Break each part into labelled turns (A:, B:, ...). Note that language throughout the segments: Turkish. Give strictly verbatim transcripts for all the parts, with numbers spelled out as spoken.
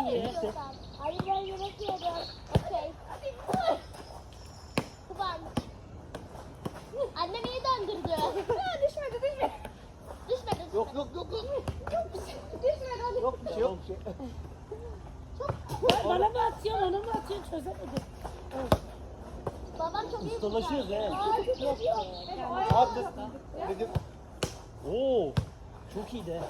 A: iyi.
B: Hayır ben yemek yiyorum. Okey. Kıvan. Annem iyi döndürdü. düşmedi düşmedi. Düşmedi.
C: Yok yok yok. Yok
B: Düşmedi.
C: yok bir şey yok. Bir şey.
A: Bana mı atıyorsun, ona mı atıyorsun çözemedim.
B: Babam çok iyi
D: Ustalaşıyoruz he.
A: Yok be.
C: Abi dedim.
D: Oo. Çok iyi de.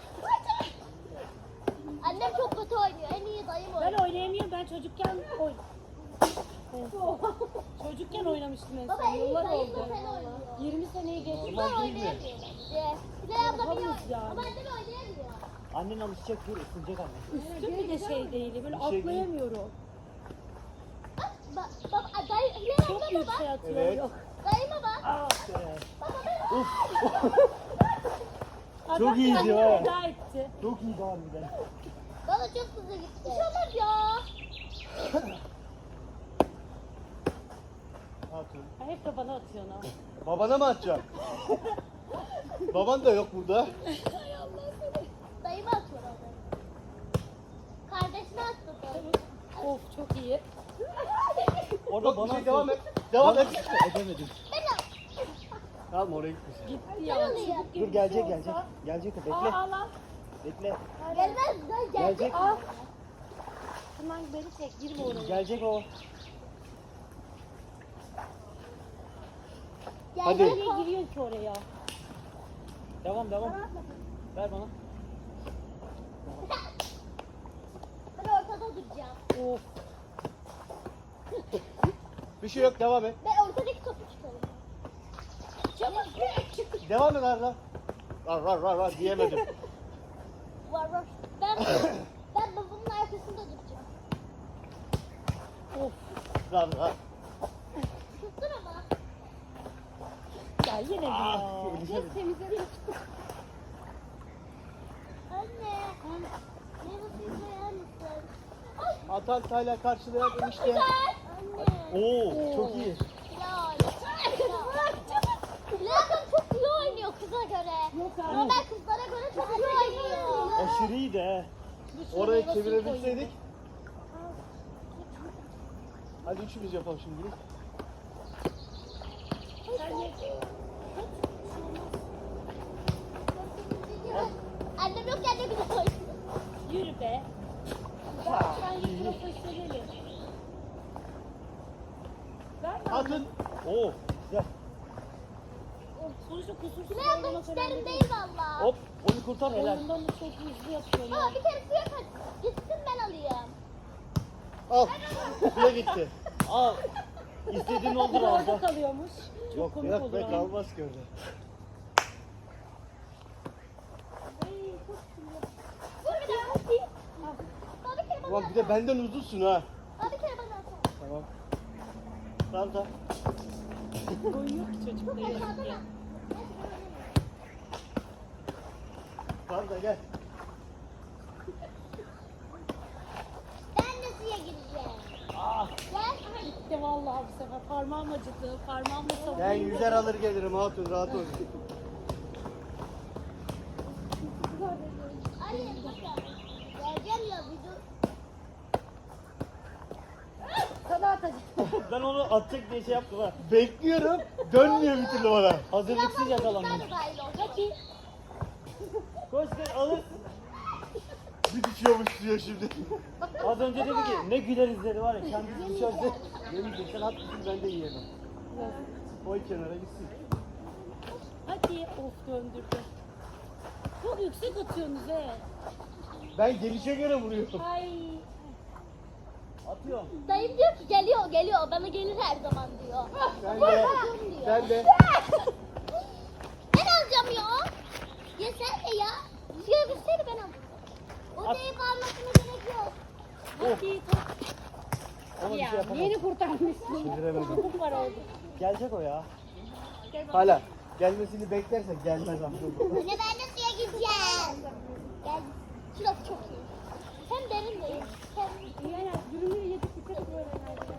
B: Annem çok kötü oynuyor. En iyi dayım
A: Ben
B: oynuyor.
A: oynayamıyorum, ben çocukken oy. Çocukken oynamıştım en
B: Baba
A: son,
B: en iyi
A: yıllar
B: dayım
A: oldu.
B: da sen oynuyor.
A: yirmi seneyi geçti.
B: Ben
D: Normal değil mi?
B: oynayamıyorum. Ye. Bilal abla biliyor.
A: Yapamayız yani.
B: Ama annem oynayamıyor.
D: Annen alışacak dur ısınacak anne.
A: Üstüm bir de şey değil, böyle
D: Bir şey değil.
A: atlayamıyorum.
B: Bak bak bak dayı Bilal
A: Çok
B: abla
A: yüksek
B: baba.
A: atıyorum.
C: Evet.
A: Yok.
B: Dayıma bak.
D: Ah be.
B: Baba ben.
A: Adam
D: Çok iyiydi
A: kendini
D: ha.
A: feda etti.
D: Çok iyi harbiden.
B: Bana çok hızlı gitti. Bir şey olmaz ya.
C: Hatun.
A: Ha, hep de bana atıyorsun ha.
C: Babana mı atacağım? Baban da yok burada.
B: Hay Allah seni. Dayıma atıyor onu. Kardeşine attı da.
A: Of çok iyi.
D: Orada
C: Yok bir
D: bana
C: şey devam et. Devam et.
D: Edemedim.
C: Tamam oraya gitmesin.
A: Gitti ya.
B: alayım.
A: Çubuk gibi
D: Dur
A: bir
D: gelecek
A: şey
D: gelecek.
A: olsa-
D: Gelecek o
A: Aa,
D: bekle.
A: al al.
D: Bekle.
B: Gelmez dayı
D: Gelecek.
B: gelecek.
A: Al. Hemen beni çek, girme oraya.
D: Gelecek o.
C: Hadi.
B: Gelecek
A: Niye
B: o.
A: giriyorsun ki oraya?
D: Devam devam. Ver bana.
B: Ben ortada duracağım.
A: Of.
C: Bir şey yok devam et.
B: Ben ortadaki topu tutarım. Çabuk.
C: Devam et Arda. Rar rar rar rar diyemedim.
B: Var var. Ben ben babamın arkasında duracağım.
A: Of.
C: Rar rar.
B: Tuttun ama.
A: Ya yine mi
C: Ah,
A: ya?
C: elişe
A: Biz temizledik.
B: Anne. Meyve koyar mısın? Ay.
C: Atan Tayla karşılayan enişte.
B: Güzel. Anne.
D: Oo çok iyi.
B: Bilal. Bilal ablam çok iyi oynuyor kıza göre.
A: Yok
B: Ama
A: abi.
B: ben kızlara göre çok iyi oynuyor.
D: Aşırı iyi de he.
C: Orayı çevirebilseydik. Hadi üçümüz yapalım şimdi.
A: Sen ye.
B: Annem yok ya ne güzel oynuyor.
A: Yürü be. Sen git profesyonelim. Ver bana.
C: Atın.
D: Oo güzel.
A: Sonuçta kusursuz
B: Bilal abla
A: oynamak
B: hiç
A: önemli
B: derin
A: değil.
B: değil valla.
D: Hop onu kurtar helal.
A: Oyundan da çok hızlı yapıyor
B: Baba
A: ya.
B: bir kere suya kaç. Gitsin ben alayım.
C: Al. Suya gitti.
D: Al. İstediğin oldu
A: Orada
D: Arda.
A: kalıyormuş. Çok
C: Yok
A: komik
C: yok
A: olur
C: be
A: ha.
C: kalmaz ki orada.
B: Ay çok sinirli. Dur bir daha. Hadi. Baba bir kere bana
C: Ulan bir de benden uzunsun ha.
B: Baba bir kere bana atsana.
C: Tamam. Tamam tamam.
A: Oyun yok ki çocukta
B: Hadi
A: yazık
B: bana.
A: ya.
C: Tamam da gel.
B: Ben de suya gireceğim.
D: Ah.
B: Gel.
A: Gitti vallahi bu sefer. Parmağım acıdı. Parmağımla
C: Ben
A: savundum.
C: yüzer alır gelirim hatun rahat ol.
B: Anne bakın. Geleceğim ya bir dur.
A: Sana atacağım.
D: Ben onu atacak diye şey yaptım ha.
C: Bekliyorum. Dönmüyor bir türlü bana.
D: Hazırlıksız yakalandım.
B: Sen de dahil ol. Hadi.
D: Koş gel alır.
C: Bir düşüyormuş suya şimdi.
D: Az önce dedi ki ne güler izleri var ya kendisi düşerse.
C: Yemeyecek sen at gitsin ben de yiyemem. Koy kenara gitsin.
A: Hadi. Of döndürdü. Çok yüksek atıyorsunuz he.
C: Ben gelişe göre vuruyorum.
A: Ay.
D: Atıyorum.
B: Dayım diyor ki geliyor geliyor. Bana gelir her zaman diyor.
C: Sen
B: Vur
C: de.
B: bakalım diyor.
C: Sen de.
B: Ben alacağım ya. Ya sen de ya. Suya bilseydi ben alacağım. O
D: At.
B: deyip almasına gerek yok.
A: Hadi.
D: Ona bir şey
A: Ya
D: yapamam.
A: yeni kurtarmışsın.
C: Çeviremedim.
A: Çabuk var oldu.
D: Gelecek o ya.
C: Hala. Gelmesini beklersek gelmez amca.
B: Anne ben de suya gideceğim. Gel. Şurası çok iyi. Hem derin değil. Hem
A: Yani dürümleri yedik bitirdik böyle nerede.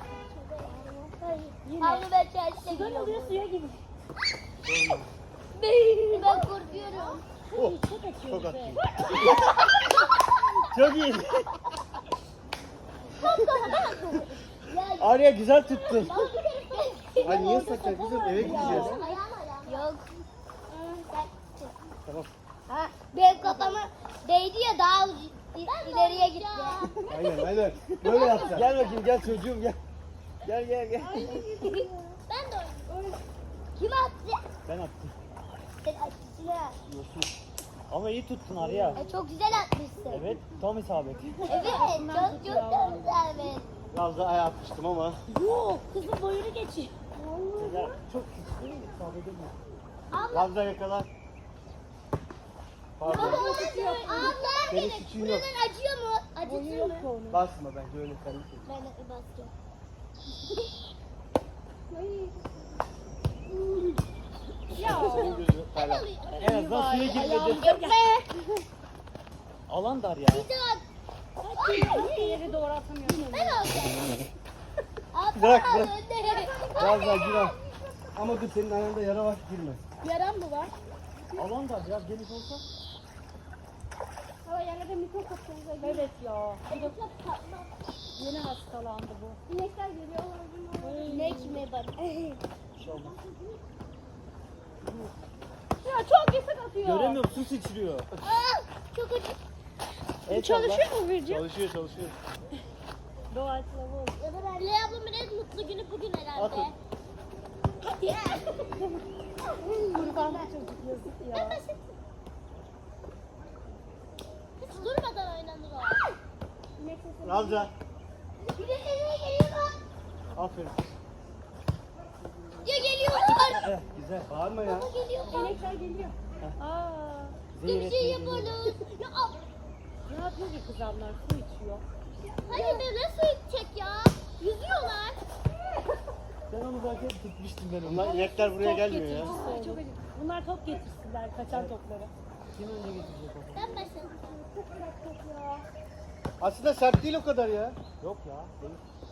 A: Yine.
B: Havlu ben çarşıda
A: Sudan oluyor
B: gidiyorum.
A: suya gibi.
B: Ben korkuyorum.
C: Oh,
A: Çok atıyoruz
C: çok
A: be.
C: atıyor.
D: Çok iyi.
B: Ya
D: Arya güzel tuttun.
C: Ay niye saklar kızım, eve gideceğiz.
B: ayağım ayağım. Yok.
C: Tamam.
B: Ha, benim kafama değdi ya daha il- ileriye gitti.
C: Aynen aynen. Böyle yapacaksın.
D: Gel bakayım gel çocuğum gel. Gel gel gel.
B: Ben de oynayayım. Kim attı?
D: Ben attım.
B: Sen attın.
D: Yosun. Ama iyi tuttun Arya.
B: E, çok güzel atmışsın.
D: Evet tam isabet.
B: Evet, çok çok güzel. Evet.
C: Biraz daha ayağa atmıştım ama.
A: Yok kızın boyunu geçiyor.
D: Güzel. Çok küçük değil mi? İsabet edemiyor.
B: Abla,
C: Biraz daha yakala.
B: abla,
C: Pardon.
B: abla,
C: Senin
B: benim
C: suçun yok.
B: buradan acıyor mu?
A: Boyu
B: Acıtır
A: yok
B: mı?
A: onun.
C: Basma bence öyle karıştır.
B: Ben de basacağım.
A: Ya.
C: Senin gözü
B: Ben
C: hala.
B: alayım.
D: En azından suya girmedi.
B: Gitme.
D: Alan dar ya.
B: Bir daha.
A: Niye ileri doğru atamıyorsun?
B: Ben alacağım. Abla,
C: Bırak, bırak.
B: önde.
C: Biraz daha gir al. Ama dur senin ayağında yara var, girme.
A: Yaran mı var?
D: Alan dar biraz geniş olsa.
A: Hava yerlerde mikro kaplarınıza giriyor. Evet ya. Yeni hastalandı bu. İnekler geliyor.
B: İnek mi bak?
D: Bir şey olmaz.
A: Ya çok yasak atıyor.
D: Göremiyorum su sıçrıyor.
B: Aa, çok acı.
D: El
A: Çalışıyor mu Virgin?
C: Çalışıyor çalışıyor.
A: Doğaçlama oldu.
B: Leyla ablamın en mutlu günü bugün herhalde.
D: Atın.
A: Kurban çocuk yazık
B: Ben
A: ya.
B: başım. Hiç durmadan oynanır o.
A: İnek sesi.
C: Ravza.
B: Bir de nereye geliyor?
C: Aferin.
B: Ya geliyorlar.
D: Eh, güzel.
C: Bağırma ya.
B: Baba geliyorlar.
A: İnekler geliyor. Aa.
D: Zehir
B: Bir şey
D: etmeyi
B: yapalım. Ya ab.
A: Ne yapıyor ki kızanlar? Su içiyor.
B: Hani böyle su içecek ya. Yüzüyorlar.
D: Sen onu zaten tutmuştun ben onu.
C: Bunlar inekler buraya
A: Top
C: gelmiyor ya.
A: getirmişler. Çok acı. Bunlar top getirsinler kaçan topları.
D: Kim önce getirecek onu?
B: Ben başladım.
C: Aslında sert değil o kadar ya.
D: Yok ya. Değil.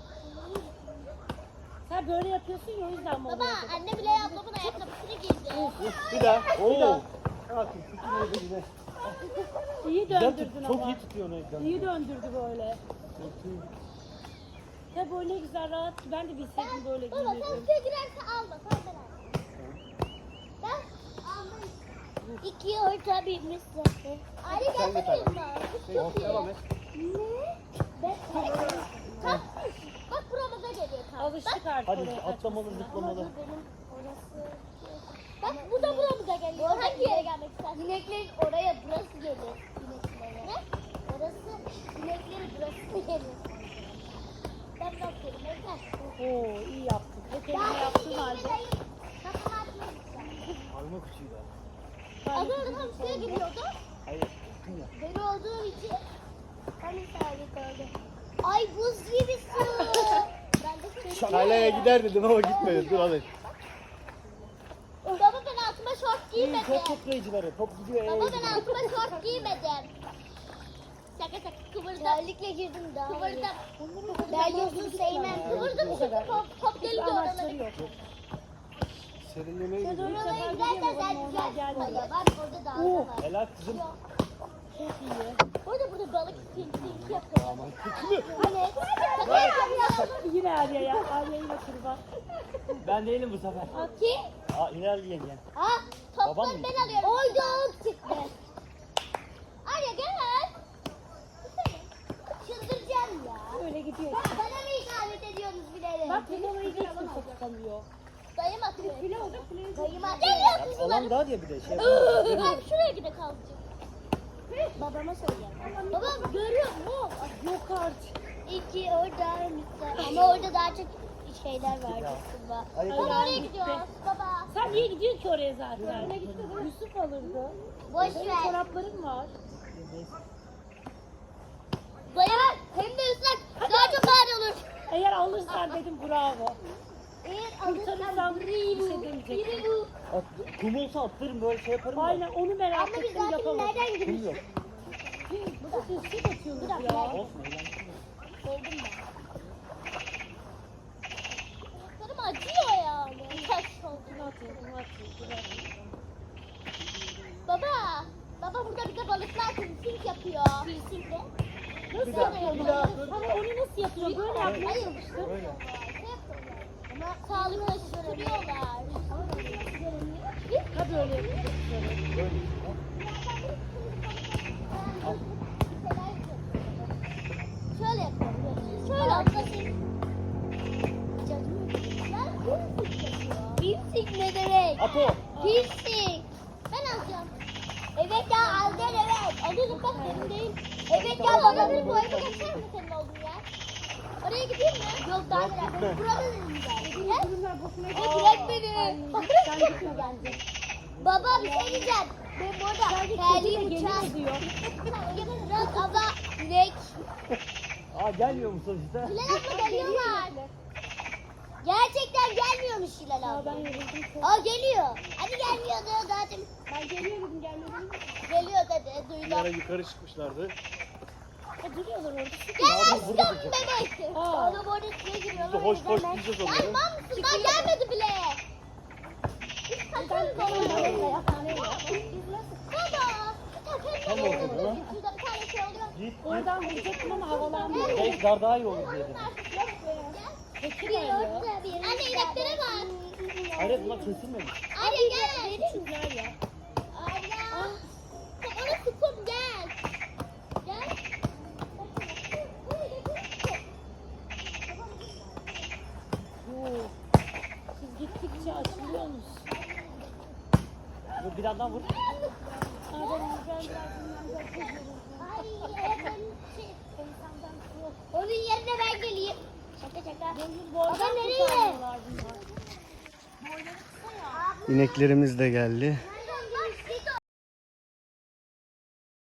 A: Sen böyle yapıyorsun ya o yüzden mi
B: Baba
A: oluyor?
B: anne bile ablamın ayakkabısını giydi.
C: Bir daha. Bir
D: Oo.
C: daha. Aferin. Tutun yine.
A: İyi
D: Güzel
A: döndürdün
D: tut. Çok
A: ama.
D: iyi tutuyor onu ekranı.
A: İyi döndürdü böyle. Ya böyle güzel rahat. Ben de bilseydim böyle
B: Baba sen
A: giyinirdim.
B: suya girerse alma. Sen ben al. Ben almayayım. İki orta bilmişsin. Ali
C: Sen
B: gel
C: de tabii.
B: bakayım.
C: Peki, devam et.
B: Ne? Ben Tam bak buramıza geliyor tam.
A: Alıştık artık
D: Hadi
A: oraya
D: atlamalı
A: kaçmasına.
D: zıplamalı.
B: Benim orası. Bak bu da buramıza geliyor. Hangi yere gelmek istersin? İneklerin oraya burası geliyor. İneklere. Ne? Orası ineklerin burası geliyor. Ben bakıyorum. Bekler.
A: Oo iyi yaptın. Hep elime yaptığın halde.
B: Kafamı atmak istiyorum.
D: Alma küçüğü daha.
B: Az önce tam suya giriyordu.
D: Hayır. Tutun ya.
B: Deli olduğum için hani sabit oldu. Ay buz gibi su. Ben de şöyle.
C: Kaleye gider dedim ama gitmedi. Dur hadi.
B: Baba ben altıma şort
D: İyi
B: giymedim.
D: top toplayıcıları. Top gidiyor.
B: Baba
D: ee,
B: ben
D: gidiyor.
B: altıma şort giymedim. Şaka şaka kıvırdım. Terlikle girdim daha Kıvırdım. Ben yosun sevmem. Kıvırdım çünkü top, top geldi
A: Amaçları
B: oralara.
A: yok.
C: Serinlemeye
B: Sen
C: gidiyor.
B: oralara gidersen sen güzel. Hayır bak orada daha
A: Oo.
B: var.
D: Helal kızım.
A: Çok iyi.
B: Orada burada balık pinti yapıyor. Hani?
A: Yine Arya ya. Arya yine kurban.
D: Ben değilim bu sefer.
B: Kim?
D: Aa ilerleyen yengen.
B: Ha,
D: Babam
B: topları
D: mı?
B: ben alıyorum. Oyda ok çıktı. Arya gel. Çıldıracağım ya.
A: Öyle gidiyor.
B: Bana mı ikamet ediyorsunuz bilerek?
A: Bak bu babayı hiç kimse tutamıyor.
B: Dayım atıyor.
A: File olacak file.
B: Dayım atıyor.
D: Alan daha diye bir de şey.
B: Bak şuraya gide kalacak. Babama söyleyeceğim. Babam görüyor mu?
A: Yok artık.
B: İki orada lütfen. Ama orada daha çok şeyler var aslında.
D: Hayır.
B: Baba oraya
A: gitti.
B: gidiyoruz. Baba.
A: Sen niye gidiyorsun ki oraya zaten? Yusuf alırdı.
B: Boş
A: Senin
B: ver.
A: çorapların var.
B: Dayım hem de ıslak. Daha çok ağır olur.
A: Eğer alırsan dedim bravo.
B: Eğer
A: Kurtarırsam
B: alırsan
A: bir
B: biri
A: şey
B: bu.
A: demeyecektim.
B: Biri bu.
D: At, kum olsa atlarım böyle şey yaparım da.
A: Aynen onu merak
B: Ama biz
A: ettim
B: zaten
A: yapamadım.
B: nereden
D: Kum
B: girmiş?
D: yok.
A: Bu da sessiz atıyorsunuz
B: Bir dakika,
A: ya.
B: nerede?
D: Olsun eğlenceli.
B: Oldum ben. Ayaklarım acıyor yani. Taş oldu.
A: Bunu atıyor, bunu atıyor, bunu atıyor.
B: Baba. Baba burada bir de balıklar piercing yapıyor. Piercing de.
A: Nasıl
C: Bir daha,
A: yapıyorsun?
C: bir daha.
A: Ama onu nasıl yapıyorsun? Böyle yapıyorsun.
B: Hayır.
C: Böyle.
B: Ama sağlıklaştırıyorlar.
A: Ha böyle yapıyorsun.
C: Böyle.
B: Şöyle yapıyorum. Şöyle yapıyorum. Piercing ne demek?
D: Apo.
B: Piercing. Ben alacağım. Evet ya al gel evet. Alıyorum bak benim değil. Evet ya bana bir boyama geçer mi senin olduğun yer? Oraya gideyim mi? Yok daha
C: Yok,
B: neler.
C: gitme.
B: Burada dedim ben. Ne?
A: Bunlar boşuna
B: Ne
A: gidiyor.
B: bırak beni.
A: Sen gitme bence.
B: Baba bir şey diyeceğim. Ben burada
A: Sadece
B: terliğim
A: kediyle
B: uçar.
A: geliyor diyor.
B: Biraz abla direkt.
D: Aa gelmiyor mu sonuçta?
B: Hilal abla geliyorlar. Gerçekten gelmiyormuş Hilal
A: Aa,
B: abla.
A: ben yoruldum çok.
B: Aa geliyor. Hadi gelmiyor diyor zaten.
A: Ben geliyor dedim gelmedim.
B: Geliyor dedi.
C: Bir ara
B: Duydum.
C: yukarı çıkmışlardı.
A: Ha, duruyorlar orada.
B: Gel
C: Abi,
B: aşkım
C: burada duracak.
B: bebek.
A: Aa.
B: Oğlum orada suya giriyorlar.
C: Biz de hoş
B: o yüzden
C: hoş
B: ben-
C: diyeceğiz
B: Ya
C: onları.
B: imam mısın? Daha gelmedi bile. Biz
A: Ben
B: kaçalım
A: benim
B: baba.
A: babamla yatağına
B: Baba.
C: Tam
B: Tabii.
C: ortada lan.
B: Şurada bir tane şey oluyor.
D: Git git.
A: Oradan vuracaktım ama havalandı.
D: Belki dar daha iyi olur diye dedim.
A: Peki ben ya.
B: Anne ineklere bak.
D: Hayır bunlar kesilmemiş.
B: Anne gel.
A: Güzel ya.
B: Allah. Orası kum gel. Gel.
A: Yoo. Siz gittikçe açılıyorsunuz.
D: Dur bir yandan vur.
A: Aa, ben ben biraz dinleneceğim. Çok yoruldum.
B: Ay evet. Onun yerine ben geleyim. Şaka şaka.
A: Benim boydan
B: Baba nereye?
A: kurtarmıyorlar bunlar.
C: İneklerimiz de geldi.